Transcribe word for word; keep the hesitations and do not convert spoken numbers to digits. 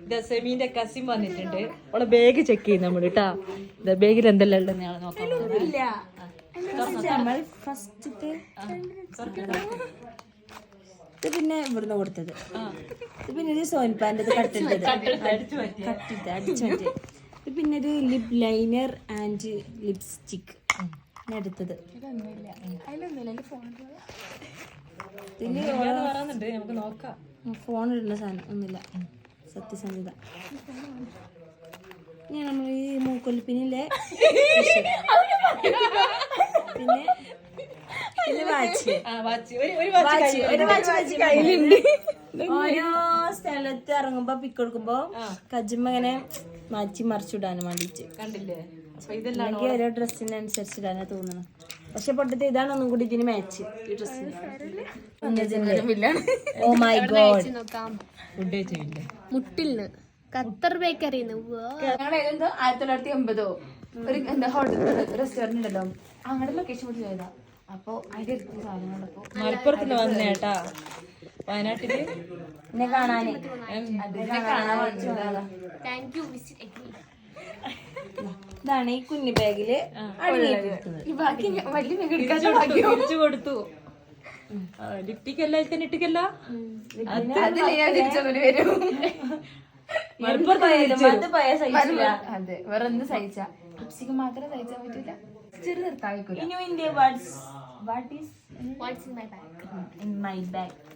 സെമീന്റെ cousin വന്നിട്ടുണ്ട്. അവളെ bag check ചെയ്യുന്ന നമ്മള് കേട്ടാ. ബാഗിൽ എന്തെല്ലാം ഉണ്ടെന്ന് ഞങ്ങൾ നോക്കാം. ഫസ്റ്റത്തെ ഇത് പിന്നെ ഇവിടുന്ന് കൊടുത്തത്. ഇത് പിന്നെ ഒരു സോൻപാൻ്റെ കട്ടിട്ടത് കട്ടിട്ട് അടിച്ചു മാറ്റി. ഇത് പിന്നെ ഒരു ലിപ് ലൈനർ ആൻഡ് ലിപ്സ്റ്റിക് എടുത്തത്. നമുക്ക് നോക്കാം. ഫോൺ ഇടുന്ന സാധനം ഒന്നുമില്ല. സത്യസന്ധത. ഞാൻ നമ്മൾ ഈ മൂക്കൊലിപ്പിനിലെ പിന്നെ പിന്നെ വാച്ച് ഒരു വാച്ച് കയ്യിലുണ്ട്. ഓരോ സ്ഥലത്ത് ഇറങ്ങുമ്പോ പിക്ക് കൊടുക്കുമ്പോ കജ്ജുമ്പോ ഇങ്ങനെ മാറ്റി മറിച്ചിടാനും വേണ്ടിട്ട് കണ്ടില്ലേ. അല്ലെങ്കിൽ ഓരോ ഡ്രസ്സിനനുസരിച്ച് ഇടാനാ തോന്നുന്നു. പക്ഷെ പൊട്ടത്തെ ഇതാണ് ഒന്നും കൂടി ഇതിന് മാച്ച് ഈ ഡ്രസ്സിന്. Oh my God. ഫുഡ് കഴിച്ചില്ല. മുട്ടിൽന്ന് ഖത്തർ ബേക്കറിന്ന് ഞങ്ങളെന്തോ ആയിരത്തി തൊള്ളായിരത്തി എൺപതോ ഒരു എന്താ ഹോട്ടൽ റെസ്റ്റോറന്റ് ഉണ്ടല്ലോ, അങ്ങടെ ലൊക്കേഷൻ കൂടി ചെയ്താ. അപ്പൊ അതിന്റെ അടുത്ത് സാധനങ്ങളപ്പോ മലപ്പുറത്ത് വന്നേട്ടാ. വയനാട്ടില് എന്നെ കാണാന് താങ്ക് യു വിസിറ്റ് അഗ്രി. ഇതാണ് ഈ കുഞ്ഞു ബാഗില് ബാക്കി വലിയ തിരിച്ചു കൊടുത്തു. ലിപ്റ്റിക് അല്ല തന്നെ ഇട്ടിക്കല്ല. അതെ വേറെ എന്ത് സഹിച്ച ലിപ്സ്റ്റിക് മാത്രമേ സഹിച്ചാൻ പറ്റില്ല. ചെറു നിർത്താൻ ഇനി what's what is what's in my bag in my bag